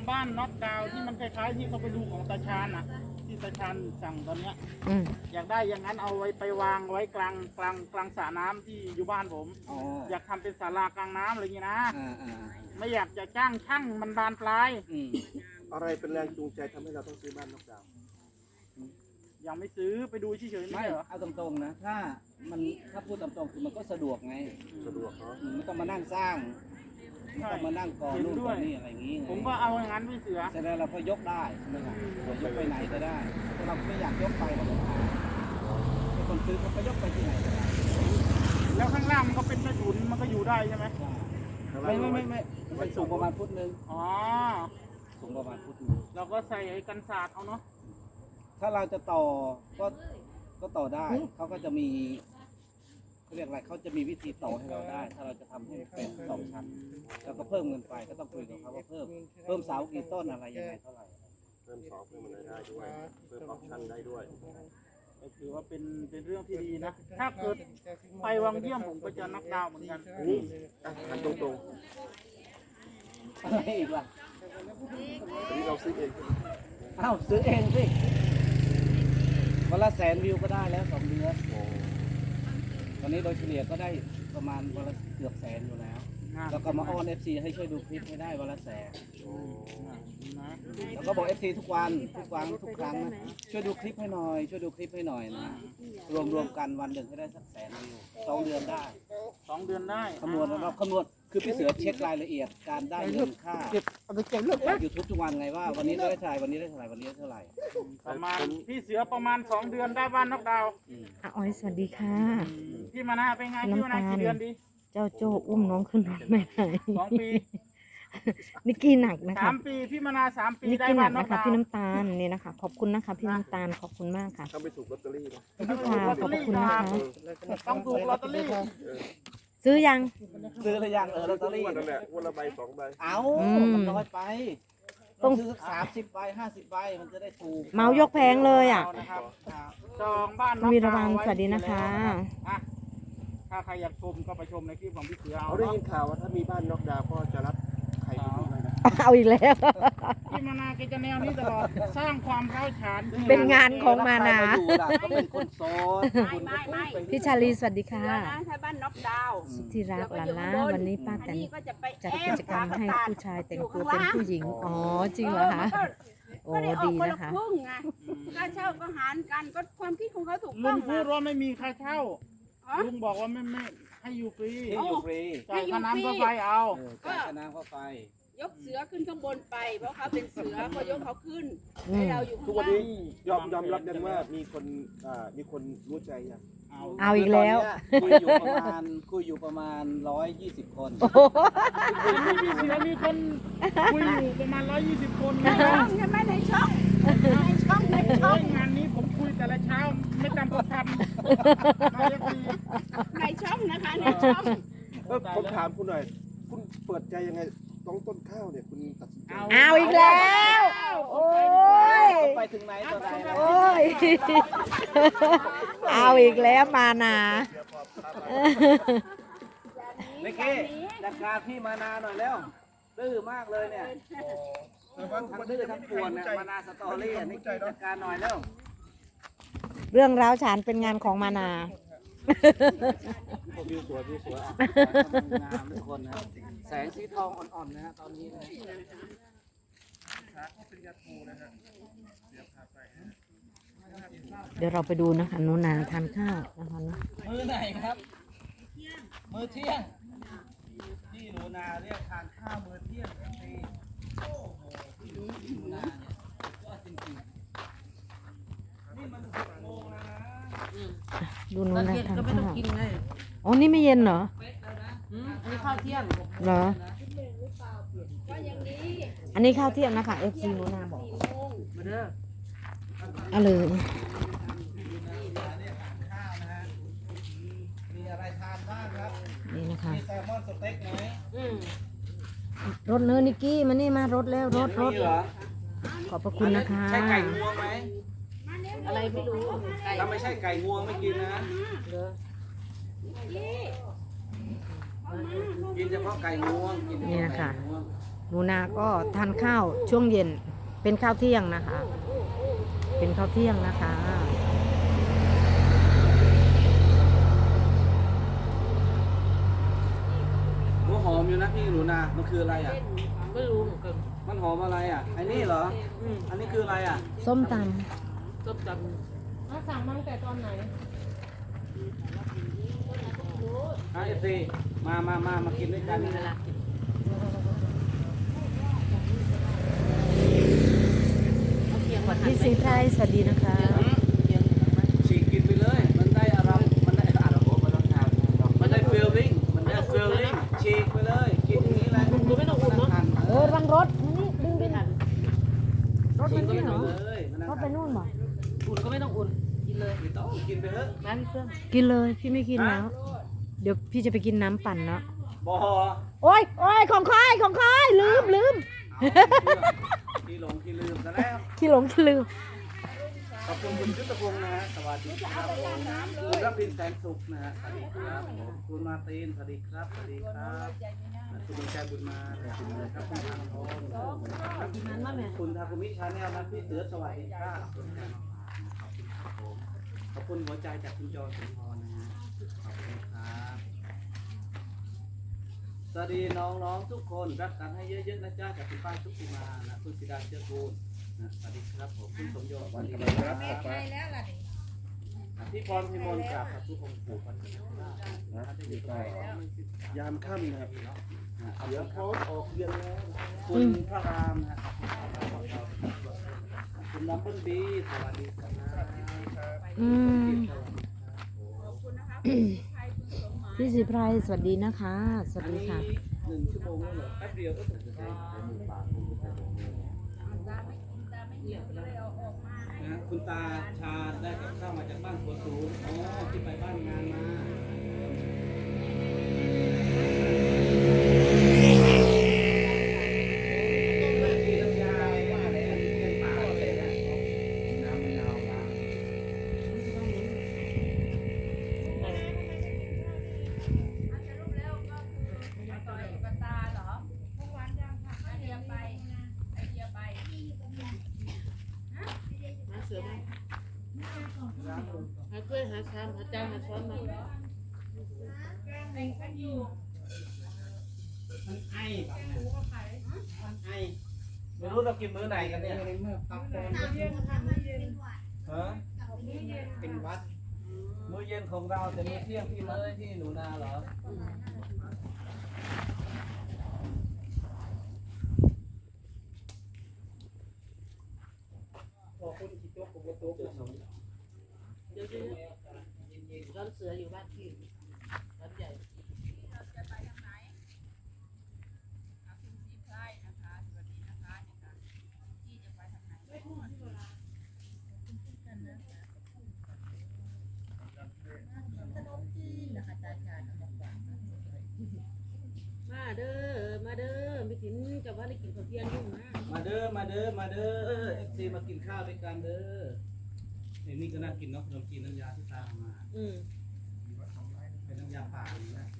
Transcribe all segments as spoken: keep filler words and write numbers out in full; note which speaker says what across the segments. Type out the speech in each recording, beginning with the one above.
Speaker 1: บ้านน็อกดาวน์ที่มันคล้ายๆที่เขาไปดูของตาชาญอ่ะที่ตาชาญสั่งตอนเนี้ย
Speaker 2: อืม
Speaker 1: อยากได้อย่างนั้นเอาไว้ไปวางไว้กลางกลางกลางสระน้ำที่อยู่บ้านผม
Speaker 3: อ๋อ
Speaker 1: อยากทำเป็นศาลากลางน้ำอะไรอย่างนี้นะ
Speaker 3: อ่าอ่า
Speaker 1: ไม่อยากจะจ้างช่างมันบานปลาย
Speaker 3: อืม
Speaker 4: อะไรเป็นแรงจูงใจทำให้เราต้องซื้อบ้านนอกดาวน์
Speaker 1: ยังไม่ซื้อไปดูเฉยๆไม่
Speaker 3: ไม่
Speaker 1: ใช่เหรอ
Speaker 3: เอาตรงๆนะถ้ามันถ้าพูดตามตรงคือมันก็สะดวกไง
Speaker 4: สะดวกเนาะ
Speaker 3: อืมไม่ต้องมานั่งสร้างไม่ต้องมานั่งก่อนู่นก่อนี่อะไรอย่างงี้ไง
Speaker 1: ผมก็เอาอย่างนั้นพี่เสือ
Speaker 3: แสดงเราก็ยกได้ใช่ไหมครับเรายกไปไหนก็ได้ถ้าเราไม่อยากยกไปเราก็พาไอ้คนซื้อเขาก็ยกไปที่ไหนก็ได้
Speaker 1: แล้วข้างล่างมันก็เป็นกระสุนมันก็อยู่ได้ใช่ไหม
Speaker 3: ไม่ไม่ไม่ไม่มันสูงประมาณฟุตหนึ่ง
Speaker 1: อ๋อ
Speaker 3: สูงประมาณฟุตหนึง
Speaker 1: เราก็ใส่ไอ้กันศาสตร์เอาเนาะ
Speaker 3: ถ้าเราจะต่อก็ก็ต่อได้เขาก็จะมีเขาเรียกอะไรเขาจะมีวิธีต่อให้เราได้ ถ้าเราจะทำให้เป็นสองชั้นแล้วก็เพิ่มเงินไปก็ต้องคุยกับเขาว่าเพิ่มเพิ่มเสากี่ต้นอะไรยังไงเท่าไหร่
Speaker 4: เพิ่มสองเพิ่มอะไรได้ด้วยเพิ่มออปชั่นได้ด้วย
Speaker 1: ก็ถือว่าเป็นเป็นเรื่องที่ดีนะ ถ้าเกิดไปวังเยี่ยมผมก็จะนักดาวน์เหมือนกัน
Speaker 4: นี่อ่ะหันตรง
Speaker 3: อะไรอีกล่ะ
Speaker 4: ๆอันนี้เราซื้อเอง
Speaker 3: อ้าวซื้อเองสิวันละแสนวิวก็ได้แล้วสองเดือน
Speaker 4: โอ้
Speaker 3: วันนี้โดยเฉลี่ยก็ได้ประมาณวันละเกือบแสนอยู่แล้ว แล้วก็มาอ้อนเอฟซีให้ช่วยดูคลิปให้ได้วันละแสน
Speaker 4: โอ้
Speaker 1: นะ
Speaker 3: แล้วก็บอกเอฟซีทุกวันทุกวันทุกครั้งนะช่วยดูคลิปให้หน่อยช่วยดูคลิปให้หน่อยนะรวมรวมกันวันหนึ่งให้ได้สักแสนวิวสองเดือนได้
Speaker 1: สองเดือนได้
Speaker 3: คำนวณเราคำนวณคือพี่เสือเช็ครายละเอียดการได้เงินค่า
Speaker 2: เอาไปเก็บลูก
Speaker 3: ยูทูบทุกวันไงว่าวันนี้ได้เท่าไหร่วันนี้ได้เท่าไหร่วันนี้ได้เท่าไหร่
Speaker 1: ประมาณพี่เสือประมาณสองเดือนได้บ้านนอกดาวน์
Speaker 2: อ่ะออยสวัสดีค่ะ
Speaker 1: พี่มานาเป็นไงพี่มานากี่เดือนดี
Speaker 2: เจ้าโจ้อุ้มน้องขึ้นรถไม่ได้
Speaker 1: สองปี
Speaker 2: นิกกี้หนักนะ
Speaker 1: สา
Speaker 2: คะ
Speaker 1: มปีพี่มานาสามปี
Speaker 2: นิก
Speaker 1: ได้
Speaker 2: กี้หนั
Speaker 1: บ้าก นนอ
Speaker 2: นะ
Speaker 1: ก
Speaker 2: คะ
Speaker 1: ดาว
Speaker 2: พี่
Speaker 1: น์
Speaker 2: น้ำตาลนี่นะคะ ขอบคุณนะคะ พี่น้ำตาลขอบคุณมากค่ะ
Speaker 4: ถ้าไม่ถูกลอตเตอรี่นะ
Speaker 2: พี่ค่ะขอบพระคุณนะคะ
Speaker 1: ต้องถูกลอตเตอรี่
Speaker 2: ซื้อยัง
Speaker 3: ซื้อหรือยังเออลอตเตอรี่
Speaker 4: วันนั่นแหละวันละใบสองใบ
Speaker 3: เอา
Speaker 2: อืม
Speaker 3: มันน้อยไป
Speaker 2: ต้
Speaker 3: ต้
Speaker 2: อ
Speaker 3: อง งซื้อสักสามสิบใบห้าสิบใบมันจะได้ถูก
Speaker 2: เมายกแพงเลยอ่ะ
Speaker 1: นะครับจองบ้านน
Speaker 2: คุ
Speaker 1: อ
Speaker 2: ณ
Speaker 1: ก
Speaker 2: วีร
Speaker 1: ดาว
Speaker 2: วัล
Speaker 1: น์ไว้
Speaker 2: สวัสดีนะคะ
Speaker 1: อ่ะถ้าใครอยากชมก็ไปชมในคลิปของพี่เสือเอา
Speaker 4: เขาได้
Speaker 1: เนาะ
Speaker 4: ยินข่าวว่าถ้ามีบ้านนอกดาวน์ก็จะรับใครไปดูเลยนะ
Speaker 2: เอาอีกแล้ว
Speaker 1: พี่มานาแกจะแนวนี้ตลอดสร้างความร้าวฉาน
Speaker 2: เป็นงานของมานา
Speaker 3: ใครอยู่ล่ะก็เป็นคนโสดคุณก็พูดไป
Speaker 2: พี่ชาลีสวัสดีค่ะ
Speaker 5: เดี๋ยวนะถ้าบ้านน็อกดาวน์
Speaker 2: สุธิรักหลานล้าวันนี้ป้าแต
Speaker 5: อัน
Speaker 2: น
Speaker 5: นี้ก็จะไป
Speaker 2: จัด
Speaker 5: แอ
Speaker 2: กิ
Speaker 5: บ
Speaker 2: จกรรมให้ผู้ชายแต่งตัวเป็นผู้หญิง อ๋อ จริงเหรอคะ โอ้
Speaker 5: ก็ได้ออก
Speaker 2: ดี
Speaker 5: คน
Speaker 2: นะ
Speaker 5: ละ
Speaker 2: คะ
Speaker 5: ครึ่งไงค่าเช่าก็หารกันก็ความคิดของเขาถูก
Speaker 1: ลุ
Speaker 5: ต้อง
Speaker 1: งพูดว่าไม่มีค่าเช่า
Speaker 5: อ๋อ
Speaker 1: ลุงบอกว่าไม่ไม่ให้อยู่ฟรี
Speaker 3: ที่อยู่ฟรี
Speaker 1: จ่ายค่าน้ำค่าไฟเอา
Speaker 3: เออจ่ายค่าน้ำค่าไฟ
Speaker 5: ยกเสือขึ้นข้างบนไป เพราะเขาเป็นเสือก็ยกเขาขึ้น
Speaker 2: อืม
Speaker 5: ให้เราอยู่
Speaker 4: ทุ
Speaker 5: ข้าก ง
Speaker 4: วัน
Speaker 5: ล่า
Speaker 4: นี้
Speaker 5: ง
Speaker 4: ยอมยอมรับกันว่ามีคนอ่ามีคนรู้ใจยัง
Speaker 1: เอา
Speaker 2: เอาอีกแล้ว
Speaker 3: คุยอยู่ประมาณคุยอยู่ประมาณร้อยยี่สิบคน
Speaker 1: พี่เสือมีคนคุยอยู่ประมาณร้อยยี่สิบคน
Speaker 5: ใน
Speaker 1: นะ
Speaker 5: ช่องใช่ไหมในช่องในช่องในช่
Speaker 1: โอ้
Speaker 5: อง
Speaker 1: ยงานนี้ผมคุยแต่ละเช้าไม่จำกว่าพันมาเอฟซี
Speaker 5: ในช่องนะคะในช่อง
Speaker 4: เออผมถามคุณหน่อย คุณเปิดใจยังไงต้องต้นข้าวเนี่ยคุณตัดสินใจ
Speaker 2: เอาอีกแล้ว โอ้ย
Speaker 3: ไปถึงไหนต่อไหนแล้ว
Speaker 2: โอ้ย เอาอีกแล้วมานา
Speaker 3: นิกกี้จัดการพี่มานาหน่อยแล้วดื้อมากเลยเนี่ยทั้งดื้อทั้งปวนเนี่ยมานาสตอรี่อ่ะนิกกี้จัดการหน่อยแล้ว
Speaker 2: เรื่องร้าวฉานเป็นงานของมานา
Speaker 4: วิวสวยวิวสวยอ่ะ
Speaker 3: งามทุกคนนะแสงสีทองอ่อนๆนะฮะตอนนี้นะ
Speaker 2: เดี๋ยวเราไปดูนะคะโนนาทานข้าวนะคะเนอะ
Speaker 3: มือไหนครับ มือเที่ยงพี่หนูนาเรียกทานข้าวมือเที่ยงทันทีโอ้โหพี่หนูนาเนี่ยก็จริงๆนี่มันหกโมงแล้วนะ
Speaker 2: ดูโนนาทานข้าวอ๋อนี่ไม่เย็นเหรอ
Speaker 5: อันนี้ข้าวเที่ยง
Speaker 2: เหรอ
Speaker 5: ก็ยังดี
Speaker 2: อันนี้ข้าวเที่ยงนะคะ เอฟ ซี โนนาบอก
Speaker 5: มาเด้อ
Speaker 2: เอาเลย
Speaker 3: มีอะไรทานบ้างครับ
Speaker 2: นี่นะคะ
Speaker 3: มีแซลมอนสเต็กไหม
Speaker 5: อืม
Speaker 2: รถเนื้อนิกกี้มานี่มารถแล้วรถรถ
Speaker 3: มีเหรอ
Speaker 2: ขอบพระคุณนะคะ
Speaker 3: ใช่ไก่งวงไหม
Speaker 5: อะไรไม่รู้ไก่
Speaker 3: ถ้าไม่ใช่ไก่งวงไม่กินนะ กินเฉพาะไก่งวงกินเฉพาะไก่งวง
Speaker 2: นูนาก็ทานข้าวช่วงเย็นเป็นข้าวเที่ยงนะคะ เป็นข้าวเที่ยงนะคะ
Speaker 3: หัวหอมอยู่นะพี่หนูนา มันคืออะไรอ่ะ
Speaker 2: ไม่รู้เหมือนกัน
Speaker 3: มันหอมอะไรอ่ะไอ้นี่เหรอ อันนี้คืออะไรอ่ะ
Speaker 2: ส้มต
Speaker 1: ต้มตำ
Speaker 2: ำสั่งมาตั้งแต่ตอนไหน
Speaker 3: ไอเอฟซีมามามามากินด้วยกันนะ
Speaker 2: พี่สีไพรสวัสดีนะคะ
Speaker 3: ฉีกกินไปเลย มันได้อารมณ์มันได้อารมณ์มันต้องทำมันได้ฟีลลิ่งมันได้ฟีลลิ่งฉีกไปเลย กินอย่างนี้แหละดูไม่ต้องอุ่นเนาะ
Speaker 2: เออรังรถนี่ดึงไปทันรถ
Speaker 3: ฉี
Speaker 2: มั
Speaker 3: ก
Speaker 2: น
Speaker 3: ไป
Speaker 2: นี่เหรอ
Speaker 3: เลยมัน
Speaker 2: รถไปนู่นเหรอ
Speaker 1: อุ่นก็ไม่ต้องอุ่นกินเลย
Speaker 3: ไม่ต้องกินไปเถอะ
Speaker 1: น้ำพี่เฟื่อง
Speaker 2: กินเลยพี่ไม่กินแล้ว เดี๋ยวพี่จะไปกินน้ำปั่นเนาะ
Speaker 3: บอ
Speaker 2: โอ้ยโอ้ยของคายของคายลืมลืม
Speaker 3: ที่หลงที่ลืมซะแล้ว
Speaker 2: ขี้หลงขี้ลืม
Speaker 3: ขอบคุณคุณยุทธพงศ์นะฮะ สวัสดีครับผมคุณรับพินแสนสุขนะฮะ สวัสดีครับผมคุณมาตีน สวัสดีครับ สวัสดีครับคุณบุญใจบุญมาสวัสดีครับคุณทางทองคุณทาคุมิชาแนลนะพี่เสือสวัสดีครับขอบคุณครับผมขอบคุณหัวใจจากคุณจอสุนทรนะฮะ ขอบคุณครับ สวัสดีน้องๆทุกคนรักกันให้เยอะๆนะจ๊ะจากคุณป้ายทุกทีมานะคุณศิดาเชื้อกูลนะสวัสดีครับผมคุณสมยศสวัสดีครับพี่พรพิมลกราบขอบทุกองค์ปู่พันธุ์นะที่อยู่ตรงนี้
Speaker 4: ยามค่ำนะครับ
Speaker 3: เดี๋ยวโพสออกเรียนแล้วคุณพระรามนะครับคุณดับเบิลบีสวัสดีครับ
Speaker 2: อืมพี่สีไพรสวัสดีนะคะ สวัส
Speaker 3: อัน
Speaker 2: ดี
Speaker 3: นี้
Speaker 2: ค่ะ
Speaker 3: หนึ่งชั่วโมงแล้วเหรอแป๊บเดียวก็ถึงจะได้นะคุณตาชาได้กับข้าวมาจากบ้านหัวสูงอ๋อที่ไปบ้านงานมาที่น้ำยาว่าอะไรนะเป็นป่าเลยนะน้ำมะนาวล้าง
Speaker 1: หาเสือมาหาถ้วยหาชามหาจานหาช้อนมา
Speaker 3: มันไอแบบมันไอไม่รู้เรากินมื้อไหนกันเนี่ยฮะเป็นวัดมื้อเย็นของเราแต่มื้อเที่ยงพี่เมย์ที่หนูนาเหรอพอคุณคิดตัวผมก็ตัวผม
Speaker 1: เดี๋ยวร้อนเสืออยู่บ้านพี่ร้อนใหญ่มาเด้อมาเด้อไม่กินจะว่าได้กินข้าวเที่ยงยุ่งนะ
Speaker 3: มาเด้อมาเด้อมาเด้อเอฟซีมากินข้าวด้วยกันเด้อเดี๋ยวนี้ก็น่ากินเนาะขนมจีนน้ำยาที่ตามมา
Speaker 1: อืม
Speaker 3: เป็นน้ำยาป่านี่นะ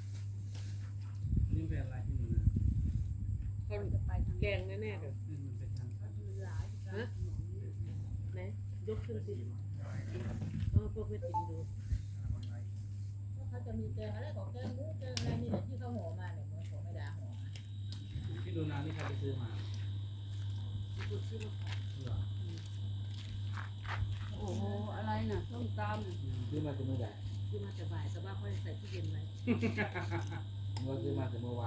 Speaker 3: นี่เป็นอะไรที่นู่นนะ
Speaker 1: เขาแกงแน่ๆเลย
Speaker 3: นี่มันเป็นทางการ
Speaker 1: ฮะไหนยกขึ้นสิเออพวกไม่กินดู
Speaker 5: เขาจะมีแกงอะไรของแกงหมูแกงอะไรนี่แหละที่เขาห่อมาเนี่ยเหมือนของไม่ดาห่อ
Speaker 3: ที่ดูนานี่ใครไปซื้อมา
Speaker 1: คุณซื้อมาขาย
Speaker 3: เหรอ
Speaker 5: โอ้โหอะไรน่ะส้มตำ
Speaker 3: ซื้อมาจากเมื่อไหร่
Speaker 1: ซื้อมาจะบ่ายสบายค่อยใส่ที่เย็นไว้
Speaker 3: เมื่อซื้อมาจากเมื่อวาน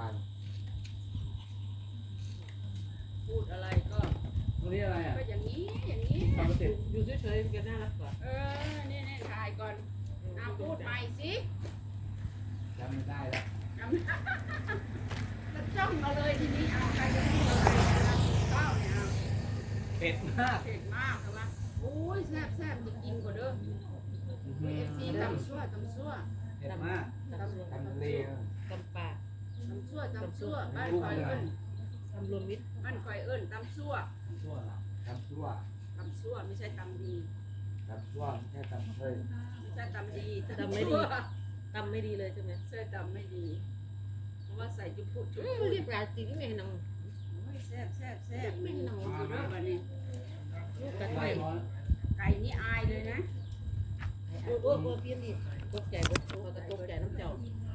Speaker 1: พูดอะไรก็
Speaker 3: ตรงนี้อะไรอ่ะ
Speaker 5: ก็อย่างนี้อย่างนี้
Speaker 3: ทำเสร็จ
Speaker 1: อยู่เฉยๆกันน่ารักกว่า
Speaker 5: เออนี่นี่ถ่ายก่อนเอาพูดใหม่สิ
Speaker 3: จำไม่ได้แล้ว
Speaker 5: จำจะจ้องมาเลยทีนี้เอาใครจะพูดอะไรข้าวเนี่ยเอา
Speaker 3: เผ็ดมาก
Speaker 5: เผ็ดมากใช่ไหมโอ้ยแซ่บแซ่บจะกินกว่าเด้อเอฟซีตำซั่วตำซั่ว
Speaker 3: เผ็ดมาก
Speaker 1: ตำซั่ว
Speaker 3: ทำเล
Speaker 1: ตำปลา
Speaker 5: ตำซั่วตำซั่วบ้านคอยเอิ้น
Speaker 1: ตำรวมมิตร
Speaker 5: บ้านคอยเอิ้นตำซั่ว
Speaker 3: ทำชั่วเหรอทำชั่ว
Speaker 5: ตำซั่วไม่ใช่ตำดี
Speaker 3: ทำชั่วไม่ใช่ทำเฮ้ย
Speaker 5: ไม่ใช่ตำดี
Speaker 1: ตำไม่ดีตำไม่ดีเลยใช่ไหม
Speaker 5: ใช่ตำไม่ดีเพราะว่าใส่จุ๊บพุจุ๊บ
Speaker 1: เอ้ยเรียบร้อยจริงไงน้อง
Speaker 5: เแซ่บแซ่บแซ่บไม่หนอนอยู่ด้วยวันนี้ลูกกระไก่ไก่นี่อายเลยนะโอ้โหพี่นี่ตกใจเบิดเขาก็ตกใจน้ำเจ้า